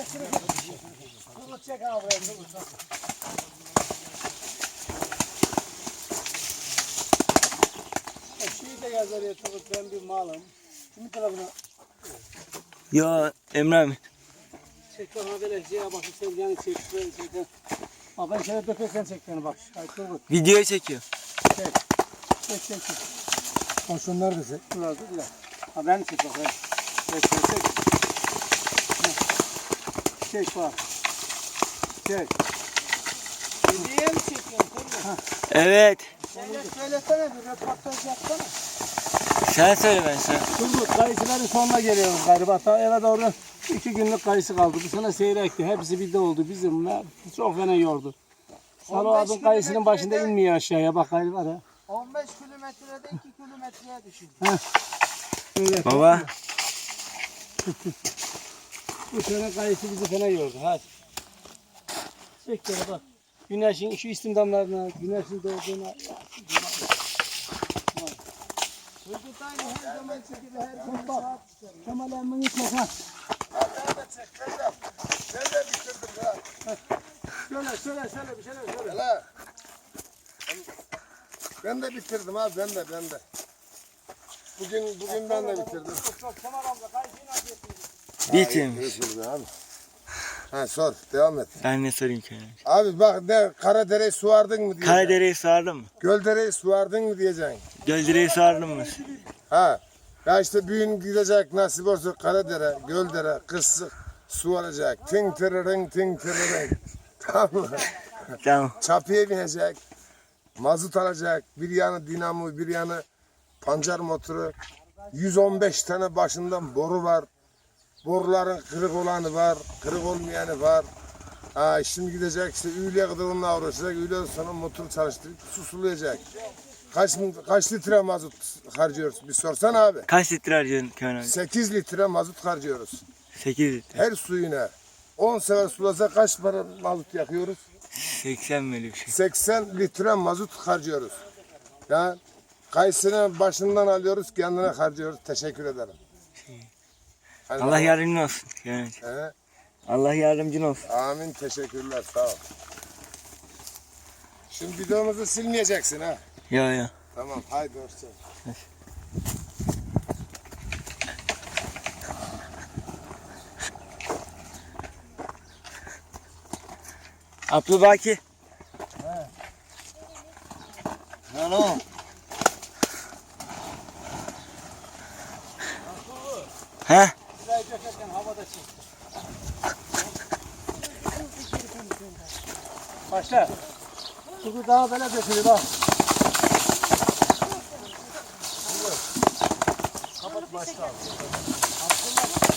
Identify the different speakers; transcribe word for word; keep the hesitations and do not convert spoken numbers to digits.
Speaker 1: Turgut çek abi buraya Turgut. Şeyi de yaz oraya Turgut, ben bir malım. Kimin tarafına?
Speaker 2: Ya Emre abi.
Speaker 1: Çek bana böyle şeye bak, sen yani çek böyle çek. Ha ben şöyle dökersen çek beni bak. Hayır Turgut.
Speaker 2: Videoyu çekiyor.
Speaker 1: Çek. Çek çek çek. Ha şunlar da çek. Bunlar da güzel. Ha ben çek bak. Çek çek çek. Çek bak. Çek. Videoya mı çekiyorsun Turgut?
Speaker 2: Evet.
Speaker 1: Söyle, söylesene bir röportaj yapsana.
Speaker 2: Sen söyle ben sana.
Speaker 1: Turgut, kayısıların sonuna geliyoruz galiba. Ta eve doğru iki günlük kayısı kaldı. Bu sene seyrekti. Hepsi bir de oldu bizim. Çok fena yordu. Salo abin kayısının başında inmiyor aşağıya. Bak gayrı var ha.
Speaker 3: on beş kilometrede iki kilometreye düşürdü.
Speaker 1: Evet.
Speaker 2: Baba.
Speaker 1: Bu sene kayısı bizi fena yordu. Hadi. Çek böyle bak. Güneşin şu istimdamlarına, güneşin doğduğuna.
Speaker 3: Turgut aynı her zamanki gibi her zaman
Speaker 1: Bak.
Speaker 3: saat çıkarıyor.
Speaker 1: Kemal emmini çek ha.
Speaker 3: Ben de çek, ben de. Ben de bitirdim ya.
Speaker 1: Söyle söyle söyle bir şeyler söyle.
Speaker 3: Hele. Ben de bitirdim abi, ben de, ben de. Bugün, bugün ben de bitirdim.
Speaker 1: Çok Kemal amca kayısıyı nasıl yapıyorsun?
Speaker 2: Bitirmiş.
Speaker 3: Bitirdim abi. Ha sor, devam et.
Speaker 2: Ben ne sorayım ki?
Speaker 3: Abi bak ne, Karadere'yi su vardın mı diyeceksin.
Speaker 2: Karadere'yi sardın mı?
Speaker 3: Göldere'yi su vardın mı diyeceksin.
Speaker 2: Göldere'yi sardın mı?
Speaker 3: Ha. Ya işte büyün gidecek nasip olsa Karadere, Göldere, kısık su alacak. Ting tırırın, ting tırırın. Tamam mı?
Speaker 2: Tamam.
Speaker 3: Çapıya binecek. Mazot alacak. Bir yanı dinamo, bir yanı pancar motoru. yüz on beş tane başından boru var. Boruların kırık olanı var, kırık olmayanı var. Ha, şimdi gidecek işte üyeliğe kadar onunla uğraşacak. Üyeliğe sonra motoru çalıştırıp su sulayacak. Kaç, kaç litre mazot harcıyoruz? Bir sorsan abi.
Speaker 2: Kaç litre harcıyorsun Kemal abi?
Speaker 3: sekiz litre mazot harcıyoruz.
Speaker 2: sekiz litre.
Speaker 3: Her suyuna. on sefer sulasa kaç para mazot yakıyoruz?
Speaker 2: seksen böyle bir şey.
Speaker 3: seksen litre mazot harcıyoruz. Ya kayısının başından alıyoruz, kendine harcıyoruz. Teşekkür ederim. Hadi
Speaker 2: Allah
Speaker 3: bakalım.
Speaker 2: yardımcın olsun. Kemal abi.
Speaker 3: He?
Speaker 2: Allah yardımcın olsun.
Speaker 3: Amin, teşekkürler, sağ ol. Şimdi videomuzu silmeyeceksin ha.
Speaker 2: Ya ya.
Speaker 3: Tamam, haydi hoşça.
Speaker 2: Abdülbaki.
Speaker 3: Ne o?
Speaker 2: He?
Speaker 1: Şurayı dökerken havada çek. Başla. Turgut daha böyle dökülür bak. Kapat başla.